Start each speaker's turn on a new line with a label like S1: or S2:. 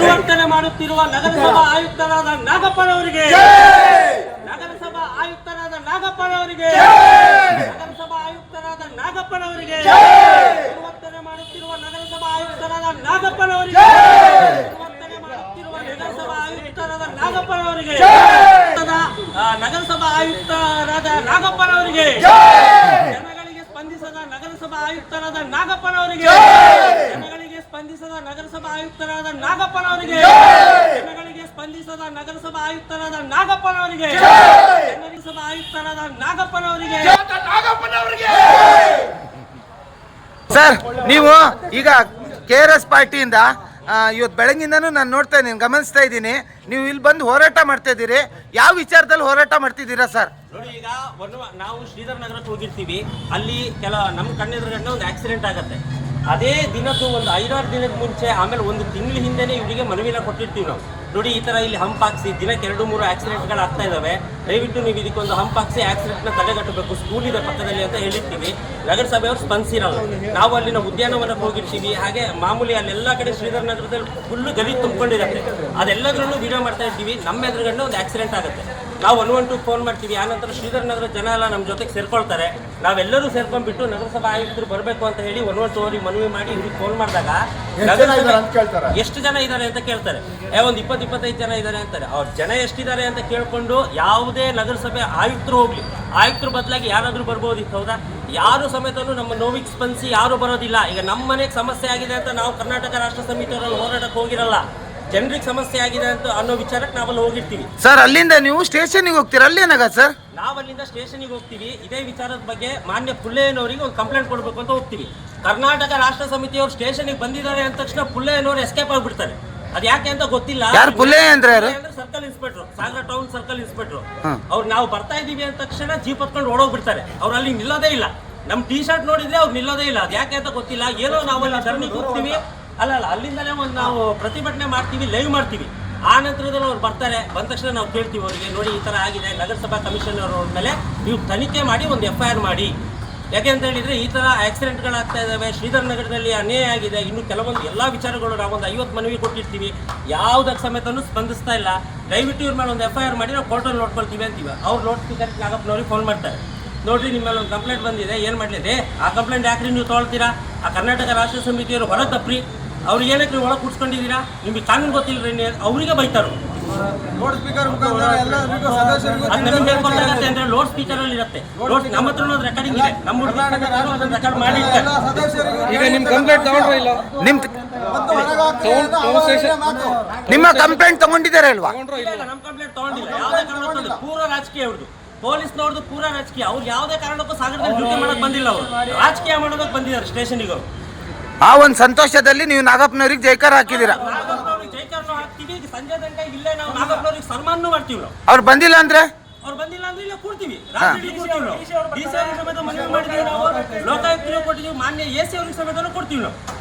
S1: ಪರಿವರ್ತನೆ ಮಾಡುತ್ತಿರುವ ನಗರಸಭಾ ಆಯುಕ್ತರಾದ ನಾಗಪ್ಪನವರಿಗೆ, ನಗರಸಭಾ ಆಯುಕ್ತರಾದ ನಾಗಪ್ಪನವರಿಗೆ, ನಗರಸಭಾ ಆಯುಕ್ತರಾದ ನಾಗಪ್ಪನವರಿಗೆ, ಪರಿವರ್ತನೆ ಮಾಡುತ್ತಿರುವ ನಗರಸಭಾ ಆಯುಕ್ತರಾದ ನಾಗಪ್ಪನವರಿಗೆ, ಪರಿವರ್ತನೆ ಮಾಡುತ್ತಿರುವ ನಗರಸಭಾ ಆಯುಕ್ತರಾದ ನಾಗಪ್ಪನವರಿಗೆ, ನಗರಸಭಾ ಆಯುಕ್ತರಾದ ನಾಗಪ್ಪನವರಿಗೆ, ಜನಗಳಿಗೆ ಸ್ಪಂದಿಸದ ನಗರಸಭಾ ಆಯುಕ್ತರಾದ ನಾಗಪ್ಪನವರಿಗೆ, ಜನಗಳಿಗೆ ಸ್ಪಂದಿಸದ ನಗರಸಭಾ ಆಯುಕ್ತರಾದ ನಾಗಪ್ಪನವರಿಗೆ, ಜನಗಳಿಗೆ ಸ್ಪಂದಿಸದ ನಗರಸಭಾ ಆಯುಕ್ತರಾದ ನಾಗಪ್ಪನವರಿಗೆ, ನಗರಸಭಾ ಆಯುಕ್ತರಾದ ನಾಗಪ್ಪನವರಿಗೆ.
S2: ಸರ್, ನೀವು ಈಗ KRS ಪಾರ್ಟಿಯಿಂದ ಇವತ್ತು ಬೆಳಗಿಂದನೂ ನಾನು ನೋಡ್ತಾ ಇದ್ದೀನಿ, ಗಮನಿಸ್ತಾ ಇದ್ದೀನಿ, ನೀವು ಇಲ್ಲಿ ಬಂದು ಹೋರಾಟ ಮಾಡ್ತಾ ಇದ್ದೀರಿ. ಯಾವ ವಿಚಾರದಲ್ಲಿ ಹೋರಾಟ ಮಾಡ್ತಿದ್ದೀರಾ ಸರ್?
S1: ನೋಡಿ, ಈಗ ನಾವು ಶ್ರೀಧರ್ ನಗರಕ್ಕೆ ಹೋಗಿರ್ತೀವಿ. ಅಲ್ಲಿ ನಮ್ಮ ಕಣ್ಣೆದುರುಗಡೆ ಒಂದು ಆಕ್ಸಿಡೆಂಟ್ ಆಗುತ್ತೆ. ಅದೇ ದಿನದ್ದು ಒಂದು 5-6 ದಿನದ ಮುಂಚೆ, ಆಮೇಲೆ ಒಂದು ತಿಂಗಳ ಹಿಂದೆನೇ ಇವರಿಗೆ ಮನವಿನ ಕೊಟ್ಟಿರ್ತೀವಿ ನಾವು. ನೋಡಿ, ಈ ಥರ ಇಲ್ಲಿ ಹಂಪ್ ಹಾಕ್ಸಿ, ದಿನಕ್ಕೆ 2-3 ಆಕ್ಸಿಡೆಂಟ್ಗಳು ಆಗ್ತಾ ಇದ್ದಾವೆ, ದಯವಿಟ್ಟು ನೀವು ಇದಕ್ಕೊಂದು ಹಂಪ್ ಹಾಕ್ಸಿ ಆಕ್ಸಿಡೆಂಟ್ನ ತಡೆಗಟ್ಟಬೇಕು, ಸ್ಕೂಲ್ ಇದೆ ಪಕ್ಕದಲ್ಲಿ ಅಂತ ಹೇಳಿರ್ತೀವಿ. ನಗರಸಭೆಯವರು ಸ್ಪಂದಿಸಿರಲ್ಲ. ನಾವು ಅಲ್ಲಿನ ಉದ್ಯಾನವನಕ್ಕೆ ಹೋಗಿರ್ತೀವಿ. ಹಾಗೆ ಮಾಮೂಲಿ ಅಲ್ಲೆಲ್ಲ ಕಡೆ ಶ್ರೀಧರ್ ನಗರದಲ್ಲಿ ಫುಲ್ಲು ಗಲೀಜು ತುಂಬಿಕೊಂಡಿರುತ್ತೆ. ಅದೆಲ್ಲದರಲ್ಲೂ ವಿಡಿಯೋ ಮಾಡ್ತಾ ಇರ್ತೀವಿ. ನಮ್ಮ ಎದುರುಗಡೆ ಒಂದು ಆಕ್ಸಿಡೆಂಟ್ ಆಗುತ್ತೆ, ನಾವು 112 ಫೋನ್ ಮಾಡ್ತೀವಿ. ಆನಂತರ ಶ್ರೀಧರ್ ನಗರ ಜನ ಎಲ್ಲ ನಮ್ಮ ಜೊತೆಗೆ ಸೇರ್ಕೊಳ್ತಾರೆ. ನಾವೆಲ್ಲರೂ ಸೇರ್ಕೊಂಡ್ಬಿಟ್ಟು ನಗರಸಭಾ ಆಯುಕ್ತರು ಬರಬೇಕು ಅಂತ ಹೇಳಿ 112 ಅವರಿಗೆ ಮನವಿ ಮಾಡಿ ಇವ್ರಿಗೆ ಫೋನ್ ಮಾಡಿದಾಗ ಎಷ್ಟು ಜನ ಇದ್ದಾರೆ ಅಂತ ಕೇಳ್ತಾರೆ. ಒಂದು 20-25 ಜನ ಇದ್ದಾರೆ ಅಂತಾರೆ. ಅವ್ರ ಜನ ಎಷ್ಟಿದ್ದಾರೆ ಅಂತ ಕೇಳ್ಕೊಂಡು ಯಾವುದೇ ನಗರಸಭೆ ಆಯುಕ್ತರು ಹೋಗ್ಲಿ, ಆಯುಕ್ತರು ಬದಲಾಗಿ ಯಾರಾದರೂ ಬರ್ಬೋದಿತ್ತು, ಹೌದಾ? ಯಾರು ಸಮೇತನು ನಮ್ಮ ನೋವಿಗೆ ಸ್ಪಂದಿಸಿ ಯಾರು ಬರೋದಿಲ್ಲ. ಈಗ ನಮ್ಮ ಮನೆಗೆ ಸಮಸ್ಯೆ ಆಗಿದೆ ಅಂತ ನಾವು ಕರ್ನಾಟಕ ರಾಷ್ಟ್ರ ಸಮಿತಿಯವರಲ್ಲಿ ಹೋರಾಟಕ್ಕೆ ಹೋಗಿರಲ್ಲ. ಜನರಿಗೆ ಸಮಸ್ಯೆ ಆಗಿದೆ ಅಂತ ಅನ್ನೋ ವಿಚಾರಕ್ಕೆ ನಾವಲ್ಲಿ ಹೋಗಿರ್ತೀವಿ.
S2: ಸರ್, ಅಲ್ಲಿಂದ ನೀವು ಸ್ಟೇಷನ್ಗೆ ಹೋಗ್ತೀರಾ? ಅಲ್ಲೇನಾಗ ಸರ್?
S1: ನಾವು ಅಲ್ಲಿಂದ ಸ್ಟೇಷನ್ಗೆ ಹೋಗ್ತೀವಿ. ಇದೇ ವಿಚಾರದ ಬಗ್ಗೆ ಮಾನ್ಯ ಪುಲ್ಲೇನವರಿಗೆ ಒಂದು ಕಂಪ್ಲೇಂಟ್ ಕೊಡಬೇಕು ಅಂತ ಹೋಗ್ತೀವಿ. ಕರ್ನಾಟಕ ರಾಷ್ಟ್ರ ಸಮಿತಿಯವರು ಸ್ಟೇಷನ್ಗೆ ಬಂದಿದ್ದಾರೆ ಅಂದ ತಕ್ಷಣ ಪುಲ್ಲೇನವರು ಎಸ್ಕೇಪ್ ಆಗಿಬಿಡ್ತಾರೆ. ಅದು ಯಾಕೆ ಅಂತ ಗೊತ್ತಿಲ್ಲ.
S2: ಯಾರು ಪುಲ್ಲೆ ಅಂದ್ರೆ?
S1: Circle inspector, Sagara town circle inspector. ಅವ್ರು ನಾವು ಬರ್ತಾ ಇದೀವಿ ಅಂದ ತಕ್ಷಣ ಜೀಪ್ ಹತ್ಕೊಂಡು ಓಡೋಗ್ಬಿಡ್ತಾರೆ. ಅವ್ರು ಅಲ್ಲಿ ನಿಲ್ಲೋದೇ ಇಲ್ಲ. ನಮ್ಮ ಟೀ ಶರ್ಟ್ ನೋಡಿದ್ರೆ ಅವ್ರು ನಿಲ್ಲೋದೇ ಇಲ್ಲ. ಅದು ಯಾಕೆ ಅಂತ ಗೊತ್ತಿಲ್ಲ. ಏನೋ ನಾವು ಅಲ್ಲಿ ಧರಣಿಗೆ ಹೋಗ್ತೀವಿ, ಅಲ್ಲ ಅಲ್ಲಿಂದಲೇ ಒಂದು ನಾವು ಪ್ರತಿಭಟನೆ ಮಾಡ್ತೀವಿ, ಲೈವ್ ಮಾಡ್ತೀವಿ. ಆ ನಂತರದಲ್ಲಿ ಅವ್ರು ಬರ್ತಾರೆ. ಬಂದ ತಕ್ಷಣ ನಾವು ಕೇಳ್ತೀವಿ ಅವರಿಗೆ, ನೋಡಿ ಈ ಥರ ಆಗಿದೆ, ನಗರಸಭಾ ಕಮಿಷನರ್ ಅವ್ರ ಮೇಲೆ ನೀವು ತನಿಖೆ ಮಾಡಿ ಒಂದು FIR ಮಾಡಿ. ಯಾಕೆ ಅಂತ ಹೇಳಿದರೆ ಈ ಥರ ಆಕ್ಸಿಡೆಂಟ್ಗಳಾಗ್ತಾ ಇದ್ದಾವೆ, ಶ್ರೀಧರ್ ನಗರದಲ್ಲಿ ಅನ್ಯಾಯ ಆಗಿದೆ. ಇನ್ನು ಕೆಲವೊಂದು ಎಲ್ಲ ವಿಚಾರಗಳು ನಾವೊಂದು 50 ಮನವಿ ಕೊಟ್ಟಿರ್ತೀವಿ, ಯಾವುದಕ್ಕೆ ಸಮೇತನೂ ಸ್ಪಂದಿಸ್ತಾ ಇಲ್ಲ. ದಯವಿಟ್ಟು ಇವ್ರ ಮೇಲೆ ಒಂದು FIR ಮಾಡಿ ನಾವು ಕೋರ್ಟಲ್ಲಿ ನೋಡ್ಕೊಳ್ತೀವಿ ಅಂತೀವಿ. ಅವ್ರು ಲೋಡ್ ಸ್ಪೀಕರ್ ನಾಗಪ್ಪನವ್ರಿಗೆ ಫೋನ್ ಮಾಡ್ತಾರೆ. ನೋಡಿರಿ, ನಿಮ್ಮ ಮೇಲೆ ಒಂದು ಕಂಪ್ಲೇಂಟ್ ಬಂದಿದೆ, ಏನು ಮಾಡಲಿದೆ? ಆ ಕಂಪ್ಲೇಂಟ್ ಯಾಕ್ರಿ ನೀವು ತೊಗೊಳ್ತೀರಾ? ಆ ಕರ್ನಾಟಕ ರಾಷ್ಟ್ರ ಸಮಿತಿಯವರು ಹೊರ ತಪ್ಪ್ರಿ, ಅವ್ರಿಗೆ ಏನಕ್ಕೆ ನೀವು ಒಳಗೆ ಕೂಡ್ಸ್ಕೊಂಡಿದ್ದೀರಾ? ನಿಮಗೆ ಕಾನೂನು ಗೊತ್ತಿಲ್ಲರಿ, ಅವರಿಗೆ ಬೈತಾರು.
S3: ಲೋಡ್ ಸ್ಪೀಕರ್
S1: ಅಂದ್ರೆ ಲೋಡ್ ಸ್ಪೀಕರ್ ಅಲ್ಲಿ ಇರುತ್ತೆ. ನಮ್ಮ ಹತ್ರ ರೆಕಾರ್ಡಿಂಗ್ ಇದೆ, ನಮ್ಮ ರೆಕಾರ್ಡ್ ಮಾಡಿ.
S3: ಈಗ ನಿಮ್ ಕಂಪ್ಲೇಂಟ್ ತಗೊಂಡ್ರೆ ಇಲ್ಲ?
S2: ನಿಮ್ಮ ಕಂಪ್ಲೇಂಟ್ ತಗೊಂಡಿದ್ದಾರೆ ಅಲ್ವಾ?
S1: ನಮ್ಮ ಕಂಪ್ಲೇಂಟ್ ತಗೊಂಡಿಲ್ಲ. ಯಾವುದೇ ಕಾರಣಕ್ಕೂ ಪೂರ ರಾಜಕೀಯ ಅವ್ರದ್ದು, ಪೊಲೀಸ್ನವ್ರದ್ದು ಪೂರ ರಾಜಕೀಯ. ಅವ್ರು ಯಾವುದೇ ಕಾರಣಕ್ಕೂ ಸಾಗರದಲ್ಲಿ ಡ್ಯೂಟಿ ಮಾಡಕ್ ಬಂದಿಲ್ಲ. ಅವರು ರಾಜಕೀಯ ಮಾಡೋದಕ್ಕೆ ಬಂದಿದ್ದಾರೆ ಸ್ಟೇಷನ್ಗೆ. ಅವರು
S2: ಆ ಒಂದು ಸಂತೋಷದಲ್ಲಿ ನೀವು ನಾಗಪ್ಪನವ್ರಿಗೆ ಜೈಕಾರ ಹಾಕಿದ್ದೀರಾ?
S1: ಜೈಕಾರನು ಹಾಕ್ತೀವಿ. ಸಂಜೆ ತನಕ ಇಲ್ಲೇ ನಾವು ನಾಗಪ್ಪನವ್ರಿಗೆ ಸನ್ಮಾನ ಮಾಡ್ತೀವಿ. ನಾವು
S2: ಅವ್ರು ಬಂದಿಲ್ಲ ಅಂದ್ರೆ
S1: ಇಲ್ಲ ಕೂಡ್ತೀವಿ. ರಾತ್ರಿ ಕೂಡ್ತೀವಿ. ನಾವು DC ಅವ್ರಿಗೆ ಸಮೇತ ಮನವಿ ಮಾಡಿದ್ದೀವಿ. ನಾವು ಲೋಕಾಯುಕ್ತರಿಗೆ ಕೊಟ್ಟಿದ್ದೀವಿ, ಮಾನ್ಯ AC ಅವ್ರಿಗೆ ಸಮೇತ ಕೊಡ್ತೀವಿ ನಾವು.